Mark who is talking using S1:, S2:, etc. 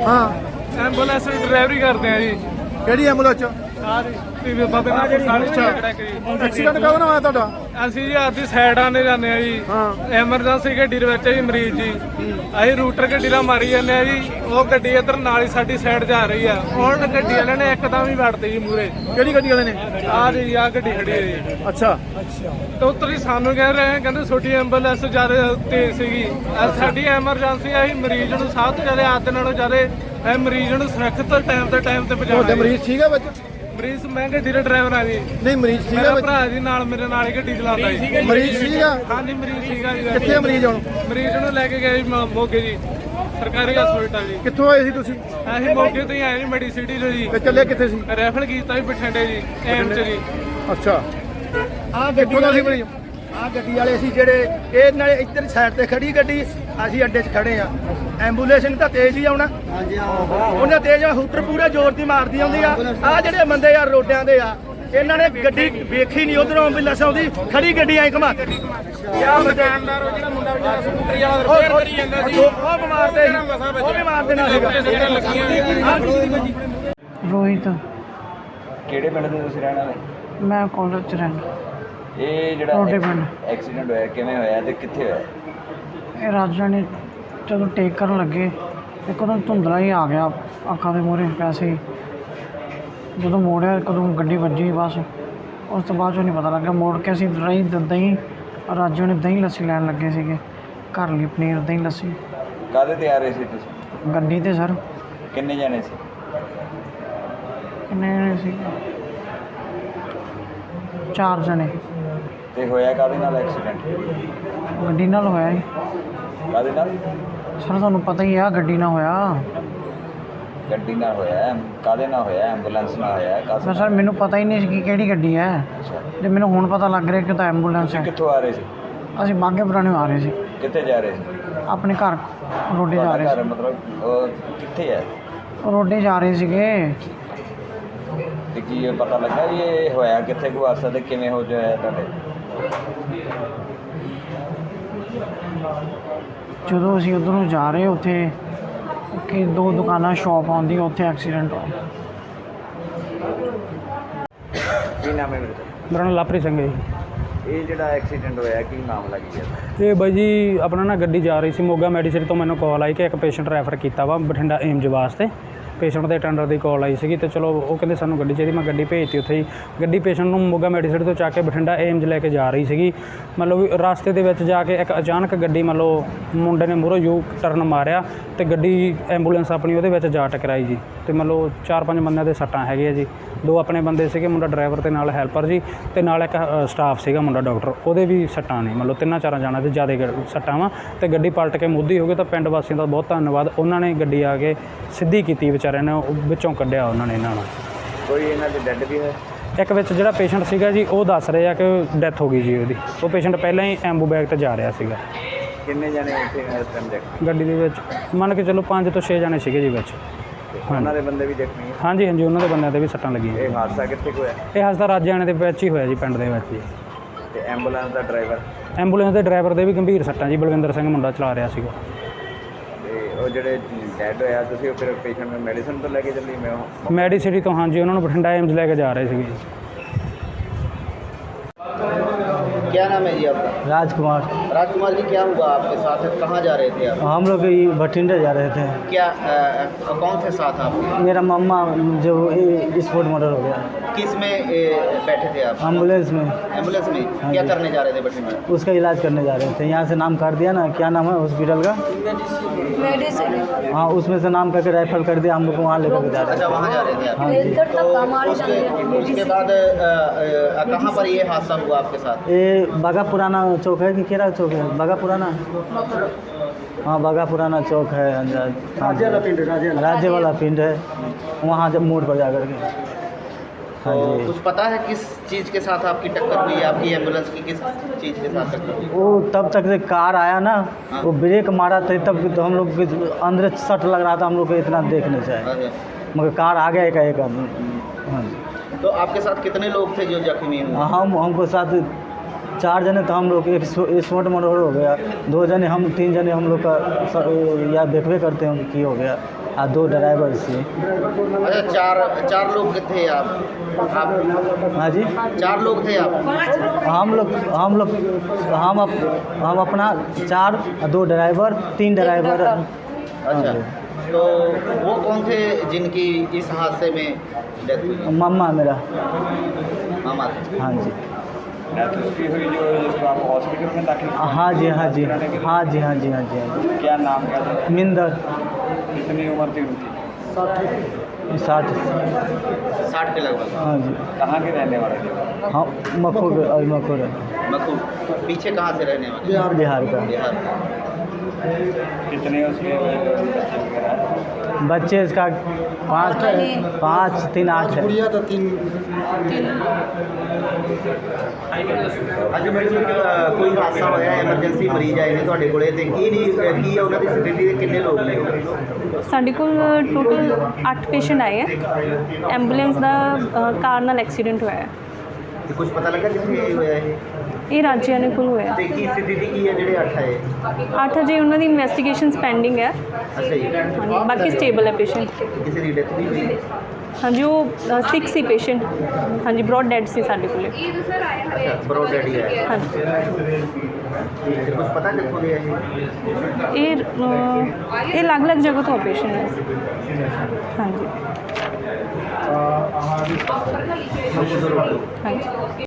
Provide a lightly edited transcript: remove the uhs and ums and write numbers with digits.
S1: ਹਾਂ
S2: ਐਂਬੂਲੈਂਸ ਦੀ ਡਰਾਈਵਰੀ ਕਰਦੇ ਆ ਜੀ।
S1: ਕਿਹੜੀ ਐਂਬੂਲੈਂਸ ਚ?
S2: ਬਾਬੇ ਨਾਲ
S1: ਐਕਸੀਡੈਂਟ ਕਦੋਂ ਹੋਇਆ ਤੁਹਾਡਾ?
S2: ਅਸੀਂ ਜੀ ਆਪਦੀ ਸਾਈਡ ਆਨੇ ਜਾਂਦੇ ਆ ਜੀ।
S1: ਹਾਂ
S2: ਐਮਰਜੈਂਸੀ ਗੱਡੀ ਦੇ ਵਿੱਚ ਜੀ ਮਰੀਜ਼ ਜੀ, ਅਸੀਂ ਰੂਟਰ ਗੱਡੀ ਨਾਲ ਮਾਰੀ ਜਾਂਦੇ ਆ ਜੀ। ਉਹ ਗੱਡੀ ਇੱਧਰ ਨਾਲ ਹੀ ਸਾਡੀ ਸਾਈਡ ਜਾ ਰਹੀ ਆ। ਹੁਣ ਗੱਡੀ ਵਾਲਿਆਂ ਨੇ ਇੱਕਦਮ ਹੀ ਵੜਤੀ ਜੀ ਮੂਰੇ।
S1: ਕਿਹੜੀ ਗੱਡੀ ਵਾਲੇ ਨੇ?
S2: ਆਹ ਜੀ ਆਹ ਗੱਡੀ ਖੜੀ ਹੈ ਜੀ।
S1: ਅੱਛਾ
S2: ਤੇ ਉੱਤਰ ਸਾਨੂੰ ਕਹਿ ਰਹੇ ਕਹਿੰਦੇ ਛੋਟੀ ਐਂਬੂਲੈਂਸ ਜ਼ਿਆਦਾ ਤੇਜ਼ ਸੀਗੀ। ਸਾਡੀ ਐਮਰਜੈਂਸੀ ਆ, ਅਸੀਂ ਮਰੀਜ਼ ਨੂੰ ਸਭ ਤੋਂ ਜ਼ਿਆਦਾ ਆਦਤ ਨਾਲੋਂ ਜ਼ਿਆਦਾ ਇਹ ਮਰੀਜ਼ ਨੂੰ ਸੁਰੱਖਿਅਤ ਟਾਈਮ ਤੇ
S1: ਤੁਹਾਡੇ
S2: ਪਹੁੰਚਾਉਣਾ।
S1: ਮਰੀਜ਼ ਸੀਗਾ ਵਿੱਚ?
S2: ਮਰੀਜ਼ ਮੈਂ ਗੱਡੀ ਦਾ ਡਰਾਈਵਰ ਆ ਜੀ।
S1: ਨਹੀਂ ਮਰੀਜ਼ ਸੀਗਾ
S2: ਮੇਰਾ
S1: ਵਿੱਚ?
S2: ਭਰਾ ਜੀ ਨਾਲ ਮੇਰੇ ਨਾਲ ਹੀ ਗੱਡੀ ਚਲਾਉਂਦਾ ਜੀ।
S1: ਮਰੀਜ਼ ਸੀਗਾ?
S2: ਹਾਂਜੀ ਮਰੀਜ਼ ਸੀਗਾ ਜੀ।
S1: ਕਿੱਥੇ ਮਰੀਜ਼ ਹੁਣ?
S2: ਮਰੀਜ਼ ਨੂੰ ਲੈ ਕੇ ਗਏ ਜੀ ਮੋਗੇ ਜੀ, ਸਰਕਾਰੀ ਹਸਪਤਾਲ ਜੀ।
S1: ਕਿੱਥੋਂ ਆਏ ਸੀ ਤੁਸੀਂ?
S2: ਅਸੀਂ ਮੋਗੇ ਤੋਂ ਹੀ ਆਏ ਜੀ, ਮੈਡੀਸਿਟੀ ਤੋਂ ਜੀ।
S1: ਤੇ ਚੱਲੇ ਕਿੱਥੇ ਸੀ?
S2: ਰੈਫਰ ਕੀਤਾ ਜੀ ਬਠਿੰਡੇ ਜੀ, ਐਮ ਚ ਜੀ।
S1: ਅੱਛਾ
S3: ਆ
S1: ਕਿੱਥੋਂ ਦਾ ਸੀ ਮਰੀਜ਼?
S3: ਆ ਗੱਡੀ ਵਾਲੇ ਸੀ ਜਿਹੜੇ ਇਹ ਨਾਲੇ ਇੱਧਰ ਸਾਈਡ ਤੇ ਖੜੀ ਗੱਡੀ, ਅਸੀਂ ਅੱਡੇ 'ਚ ਖੜੇ ਆ। ਐਂਬੂਲੈਂਸ ਨੇ ਤਾਂ ਤੇਜ਼ ਹੀ ਆਉਣਾ। ਹਾਂਜੀ ਉਹਨੇ ਤੇਜ਼ ਹੂਟਰ ਪੂਰਾ ਜ਼ੋਰ ਦੀ ਮਾਰਦੀ ਆਉਂਦੀ ਆ। ਆ ਜਿਹੜੇ ਬੰਦੇ ਯਾਰ ਰੋਡਿਆਂ ਦੇ ਆ, ਇਹਨਾਂ ਨੇ ਗੱਡੀ ਵੇਖੀ ਨਹੀਂ, ਉਧਰੋਂ ਐਂਬੂਲੈਂਸ ਆਉਂਦੀ, ਖੜੀ ਗੱਡੀ ਐਂ ਘੁਮਾ ਕੇ। ਕਿਆ ਦੁਕਾਨਦਾਰ ਉਹ ਜਿਹੜਾ ਮੁੰਡਾ ਵਿਚਾਰਾ ਸਕੂਟਰੀ ਵਾਲਾ ਰਿਪੇਅਰ ਕਰੀ ਜਾਂਦਾ ਸੀ, ਉਹ ਬਿਮਾਰ ਤੇ ਉਹ ਵੀ ਮਾਰ ਦੇਣਾ ਸੀਗਾ।
S4: ਰੋਹਿਤ,
S5: ਕਿਹੜੇ ਪਿੰਡ ਦੇ ਤੁਸੀਂ ਰਹਿਣ ਵਾਲੇ?
S4: ਮੈਂ ਕਾਲਜ ਚ ਰਹਿੰਦਾ।
S5: ਇਹ
S4: ਤੁਹਾਡੇ
S5: ਜਿਹੜਾ
S4: ਪਿੰਡ
S5: ਐਕਸੀਡੈਂਟ ਹੋਇਆ ਕਿਵੇਂ ਹੋਇਆ ਤੇ ਕਿੱਥੇ ਹੋਇਆ?
S4: ਇਹ ਰਾਜਾ ਨੇ ਜਦੋਂ ਟੇਕ ਕਰਨ ਲੱਗੇ ਇੱਕਦਮ ਧੁੰਦਲਾ ਹੀ ਆ ਗਿਆ ਅੱਖਾਂ ਦੇ ਮੂਹਰੇ ਵੈਸੇ ਹੀ। ਜਦੋਂ ਮੋੜਿਆ ਕਦੋਂ ਗੱਡੀ ਵੱਜੀ, ਬਸ ਉਸ ਤੋਂ ਬਾਅਦ 'ਚੋਂ ਨਹੀਂ ਪਤਾ ਲੱਗਾ। ਮੋੜ ਕੇ ਅਸੀਂ ਦਹੀਂ ਰਾਜੂ ਨੇ ਦਹੀਂ ਲੱਸੀ ਲੈਣ ਲੱਗੇ ਸੀਗੇ, ਘਰ ਲਈ ਪਨੀਰ ਦਹੀਂ ਲੱਸੀ।
S5: ਕਾਹਦੇ ਤੇ ਆ ਰਹੇ ਸੀ ਤੁਸੀਂ?
S4: ਗੱਡੀ ਤੇ ਸਰ।
S5: ਕਿੰਨੇ ਜਾਣੇ ਸੀ?
S4: ਕਿੰਨੇ ਜਣੇ ਸੀ? 4 ਜਣੇ।
S5: ਤੇ ਹੋਇਆ ਕਾਹਦੇ ਨਾਲ ਐਕਸੀਡੈਂਟ?
S4: ਗੱਡੀ ਨਾਲ ਹੋਇਆ ਜੀ
S5: ਕਾਹਦੇ ਨਾਲ?
S4: ਸਰ, ਤੁਹਾਨੂੰ ਪਤਾ ਹੀ ਆ ਗੱਡੀ ਨਾਲ ਹੋਇਆ।
S5: ਗੱਡੀ ਨਾਲ ਹੋਇਆ? ਕਾਹਦੇ ਨਾਲ ਹੋਇਆ? ਐਂਬੂਲੈਂਸ ਨਾਲ ਹੋਇਆ? ਕਾਹਦੇ
S4: ਸਰ ਮੈਨੂੰ ਪਤਾ ਹੀ ਨਹੀਂ ਸੀ ਕਿ ਕਿਹੜੀ ਗੱਡੀ ਹੈ।
S5: ਅੱਛਾ,
S4: ਜੇ ਮੈਨੂੰ ਹੁਣ ਪਤਾ ਲੱਗ ਰਿਹਾ ਕਿ ਤਾਂ ਐਂਬੂਲੈਂਸ ਹੈ।
S5: ਕਿੱਥੋਂ ਆ ਰਹੇ ਸੀ?
S4: ਅਸੀਂ ਬਾਗੇ ਪੁਰਾਣੇ ਆ ਰਹੇ ਸੀ,
S5: ਕਿੱਥੇ ਜਾ ਰਹੇ ਸੀ?
S4: ਆਪਣੇ ਘਰ ਰੋਡੇ ਜਾ ਰਹੇ
S5: ਘਰ ਮਤਲਬ ਉਹ ਕਿੱਥੇ ਹੈ?
S4: ਸੀ। ਰੋਡੇ ਜਾ ਰਹੇ ਸੀਗੇ।
S5: ਤੇ ਕੀ ਇਹ ਪਤਾ ਲੱਗਾ ਵੀ ਇਹ ਹੋਇਆ ਕਿੱਥੇ ਕੋ ਹਾਦਸਾ ਤੇ ਕਿਵੇਂ ਹੋ ਜਾਇਆ ਤੁਹਾਡੇ?
S4: ਜਦੋਂ ਅਸੀਂ ਉੱਧਰੋਂ ਜਾ ਰਹੇ ਉੱਥੇ ਕਿ 2 ਦੁਕਾਨਾਂ ਸ਼ਾਪ ਆਉਂਦੀ, ਉੱਥੇ ਐਕਸੀਡੈਂਟ ਹੋਇਆ।
S5: ਕੀ ਨਾਮ ਹੈ ਮੇਰੇ?
S6: ਮੇਰਾ ਨਾਮ ਲਾਪਰੀ ਸਿੰਘ ਹੈ ਜੀ।
S5: ਇਹ ਜਿਹੜਾ ਐਕਸੀਡੈਂਟ ਹੋਇਆ ਕੀ ਮਾਮਲਾ ਕੀ ਹੈ?
S6: ਇਹ ਬਾਈ ਜੀ ਆਪਣਾ ਨਾ ਗੱਡੀ ਜਾ ਰਹੀ ਸੀ ਮੋਗਾ ਮੈਡੀਸਿਟੀ ਤੋਂ, ਮੈਨੂੰ ਕਾਲ ਆਈ ਕਿ ਇੱਕ ਪੇਸ਼ੈਂਟ ਰੈਫਰ ਕੀਤਾ ਵਾ ਬਠਿੰਡਾ ਏਮਜ ਵਾਸਤੇ। ਪੇਸ਼ੈਂਟ ਦੇ ਅਟੈਂਡਰ ਦੀ ਕਾਲ ਆਈ ਸੀਗੀ ਤੇ ਚਲੋ ਉਹ ਕਹਿੰਦੇ ਸਾਨੂੰ ਗੱਡੀ ਚਾਹੀਦੀ। ਮੈਂ ਗੱਡੀ ਭੇਜਤੀ ਉੱਥੇ ਹੀ। ਗੱਡੀ ਪੇਸ਼ੈਂਟ ਨੂੰ ਮੋਗਾ ਮੈਡੀਸਿਟੀ ਤੋਂ ਚੱਕ ਕੇ ਬਠਿੰਡਾ ਏਮਜ ਲੈ ਕੇ ਜਾ ਰਹੀ ਸੀਗੀ। ਮਤਲਬ ਵੀ ਰਸਤੇ ਦੇ ਵਿੱਚ ਜਾ ਕੇ ਇੱਕ ਅਚਾਨਕ ਗੱਡੀ ਮਤਲਬ ਮੁੰਡੇ ਨੇ ਮੂਹਰੋਂ ਯੂ ਟਰਨ ਮਾਰਿਆ ਤੇ ਗੱਡੀ ਐਂਬੂਲੈਂਸ ਆਪਣੀ ਉਹਦੇ ਵਿੱਚ ਜਾ ਟਕਰਾਈ ਜੀ। ਤੇ ਮਤਲਬ 4-5 ਬੰਦਿਆਂ ਦੇ ਸੱਟਾਂ ਹੈਗੇ ਆ ਜੀ। 2 ਆਪਣੇ ਬੰਦੇ ਸੀਗੇ, ਮੁੰਡਾ ਡਰਾਈਵਰ ਤੇ ਨਾਲ ਹੈਲਪਰ ਜੀ, ਤੇ ਨਾਲ ਇੱਕ ਸਟਾਫ ਸੀਗਾ ਮੁੰਡਾ ਡਾਕਟਰ, ਉਹਦੇ ਵੀ ਸੱਟਾਂ ਨੇ। ਮਤਲਬ 3-4 ਜਾਣਾਂ ਦੇ ਜ਼ਿਆਦਾ ਸੱਟਾਂ ਵਾ ਤੇ ਗੱਡੀ ਪਲਟ ਕੇ ਮੁੱਧੀ ਹੋ ਗਈ। ਤਾਂ ਪਿੰਡ ਵਾਸੀਆਂ ਦਾ ਬਹੁਤ ਧੰਨਵਾਦ, ਉਹਨਾਂ ਨੇ ਗੱਡੀ ਆ ਕੇ ਸਿੱਧੀ ਕੀਤੀ ਵਿਚਾਰਿਆਂ ਨੇ, ਵਿੱਚੋਂ ਕੱਢਿਆ ਉਹਨਾਂ ਨੇ ਇਹਨਾਂ ਨੂੰ।
S5: ਕੋਈ ਇਹਨਾਂ ਦੇ ਡੈਡ ਵੀ ਹੈ?
S6: ਇੱਕ ਵਿੱਚ ਜਿਹੜਾ ਪੇਸ਼ੈਂਟ ਸੀਗਾ ਜੀ ਉਹ ਦੱਸ ਰਹੇ ਆ ਕਿ ਡੈਥ ਹੋ ਗਈ ਜੀ ਉਹਦੀ। ਉਹ ਪੇਸ਼ੈਂਟ ਪਹਿਲਾਂ ਹੀ ਐਂਬੂ ਬੈਗ ਤੇ ਜਾ ਰਿਹਾ ਸੀਗਾ।
S5: ਕਿੰਨੇ ਜਾਣੇ ਉੱਥੇ ਇਸ ਟਾਈਮ ਜ਼ਖਮੀ?
S6: ਗੱਡੀ ਦੇ ਵਿੱਚ ਮੰਨ ਕੇ ਚਲੋ 5 ਤੋਂ 6 ਜਾਣੇ ਸੀਗੇ ਜੀ ਵਿੱਚ।
S5: ਉਹਨਾਂ ਦੇ ਬੰਦੇ ਵੀ ਜ਼ਖਮੀ ਹੈ?
S6: ਹਾਂਜੀ ਹਾਂਜੀ, ਉਹਨਾਂ ਦੇ ਬੰਦਿਆਂ ਤੇ ਵੀ ਸੱਟਾਂ ਲੱਗੀਆਂ।
S5: ਇਹ ਹਾਦਸਾ ਕਿੱਥੇ ਕੁ ਹੋਇਆ?
S6: ਇਹ ਹਸਦਾ ਰਾਜਿਆਣੇ ਦੇ ਵਿੱਚ ਹੀ ਹੋਇਆ ਜੀ, ਪਿੰਡ ਦੇ ਵਿੱਚ ਜੀ।
S5: ਤੇ ਐਂਬੂਲੈਂਸ ਦਾ ਡਰਾਈਵਰ?
S6: ਐਂਬੂਲੈਂਸ ਦੇ ਡਰਾਈਵਰ ਦੇ ਵੀ ਗੰਭੀਰ ਸੱਟਾਂ ਜੀ, ਬਲਵਿੰਦਰ ਸਿੰਘ ਮੁੰਡਾ ਚਲਾ ਰਿਹਾ ਸੀਗਾ।
S5: ਤੇ ਉਹ ਜਿਹੜੇ ਡੈਡ ਹੋਇਆ ਤੁਸੀਂ ਉਹ ਫਿਰ ਪੇਸ਼ੈਂਟ ਨੂੰ ਮੈਡੀਸਨ ਤੋਂ ਲੈ ਕੇ ਚੱਲੀ? ਮੈਂ
S6: ਮੈਡੀਸਿਟੀ ਤੋਂ ਹਾਂਜੀ, ਉਹਨਾਂ ਨੂੰ ਬਠਿੰਡਾ ਏਮਜ਼ ਲੈ ਕੇ ਜਾ ਰਹੇ ਸੀਗੇ ਜੀ।
S3: क्या नाम है जी आपका?
S4: राजकुमार।
S3: राजकुमार जी, क्या हुआ आपके साथ? कहाँ जा रहे थे आप?
S4: हम लोग भटिंडा जा रहे थे।
S3: क्या कौन थे साथ आपके?
S4: मेरा मम्मा जो स्पोर्ट मर्डर हो गया।
S3: किस में बैठे थे आप?
S4: एम्बुलेंस में।
S3: एम्बुलेंस में
S4: हाँ
S3: क्या
S4: जी।
S3: करने जा रहे थे बठिंडा?
S4: उसका इलाज करने जा रहे थे। यहाँ से नाम काट दिया ना, क्या नाम है हॉस्पिटल का? हाँ, उसमें से नाम करके रेफर कर दिया, हम लोग को वहाँ लेकर जा रहे
S3: अच्छा,
S4: थे।
S3: वहाँ जा रहे थे आप?
S4: हाँ जी।
S3: तो उसके बाद कहाँ पर ये हादसा हुआ आपके साथ?
S4: ये बागा पुराना चौक है कि केरा चौक है? बागा पुराना। हाँ, बागा पुराना चौक है। राज्य वाला पिंड है, वहाँ जब मोड़ पर जा कर के। हाँ
S3: तो
S4: जी।
S3: कुछ पता है किस चीज़ के साथ आपकी टक्कर हुई? आपकी एम्बुलेंस की किस चीज़ के साथ टक्कर हुई?
S4: वो तब तक से कार आया ना, वो ब्रेक मारा था तब तो हम लोग के अंदर सट लग रहा था, हम लोग को इतना देख नहीं चाहिए,
S3: अच्छा।
S4: मगर कार आ गया एक हाँ जी।
S3: तो आपके साथ कितने लोग थे जो जख्मी हुए?
S4: हमको साथ 4 जने तो हम लोग, एक स्पोर्ट मर्डर हो गया, 2 जने हम, 3 जने हम लोग का या देखबे करते हैं कि हो गया।
S7: 2 ड्राइवर से।
S8: अच्छा, चार लोग थे आप
S7: हाँ जी,
S8: 4 लोग थे आप?
S7: हम अपना 4, 2 ड्राइवर, 3 ड्राइवर।
S8: अच्छा, तो वो कौन थे जिनकी इस हादसे में डेथ हुई?
S7: मम्मा मेरा।
S8: मामा थे।
S7: हाँ जी,
S5: डेथ उसकी हुई जो जिसको आप हॉस्पिटल में दाखिल
S7: हाँ जी, हाँ जी, हाँ जी, हाँ जी, हाँ जी, हाँ जी।
S5: क्या नाम क्या था?
S7: मिंदर।
S5: कितनी उम्र थी उनकी?
S7: 60।
S8: 60 के लगभग।
S7: हाँ जी,
S5: कहाँ के रहने वाले थे?
S7: हाँ मखूर।
S8: मखू पीछे कहाँ से रहने वाले?
S7: बिहार का।
S8: बिहार।
S5: कितने उसके बच्चे वगैरह?
S7: बच्चे इसका 5, 3, 8 है।
S8: ਅੱਜ ਮੈਡਮ ਕੋਈ ਹਾਦਸਾ ਹੋਇਆ ਐਮਰਜੈਂਸੀ ਮਰੀਜ਼ ਆਏ ਨੇ ਤੁਹਾਡੇ ਕੋਲੇ ਤੇ ਕੀ ਹੈ ਉਹਨਾਂ ਦੀ ਸਥਿਤੀ ਤੇ ਕਿੰਨੇ ਲੋਕ ਨੇ?
S9: ਸਾਡੇ ਕੋਲ ਟੋਟਲ 8 ਪੇਸ਼ੈਂਟ ਆਏ ਹੈ। ਐਂਬੂਲੈਂਸ ਦਾ ਕਾਰ ਨਾਲ ਐਕਸੀਡੈਂਟ ਹੋਇਆ ਹੈ।
S8: ਤੇ ਕੁਝ ਪਤਾ ਲੱਗਾ ਕਿੱਥੇ ਹੋਇਆ
S9: ਇਹ ਰਾਜਿਆਣੇ ਕੋਲ ਹੋਇਆ।
S8: ਤੇ ਕੀ ਸਥਿਤੀ ਕੀ ਹੈ ਜਿਹੜੇ 8 ਆਏ?
S9: 8 ਅਜੇ ਉਹਨਾਂ ਦੀ ਇਨਵੈਸਟੀਗੇਸ਼ਨਸ ਪੈਂਡਿੰਗ ਹੈ।
S8: ਅੱਛਾ ਜੀ,
S9: ਹਾਂਜੀ, ਬਾਕੀ ਸਟੇਬਲ ਹੈ ਪੇਸ਼ੈਂਟ।
S8: ਕਿਸੇ ਦੀ ਡੈਥ ਨਹੀਂ ਹੋਈ?
S9: ਹਾਂਜੀ, ਉਹ 6 ਸੀ ਪੇਸ਼ੈਂਟ। ਹਾਂਜੀ, ਬ੍ਰੌਡ ਡੈਡ ਸੀ ਸਾਡੇ ਕੋਲੇ।
S8: ਅੱਛਾ, ਬਰੋ ਡੈਡੀ ਆਇਆ।
S9: ਹਾਂਜੀ,
S8: ਤੇ ਕੁਝ ਪਤਾ ਕਿੱਥੋਂ ਦੇ ਆਏ?
S9: ਇਹ ਅਲੱਗ-ਅਲੱਗ ਜਗ੍ਹਾ ਤੋਂ ਪੇਸ਼ੈਂਟ ਹੈ। ਹਾਂਜੀ। ਹਾਂਜੀ।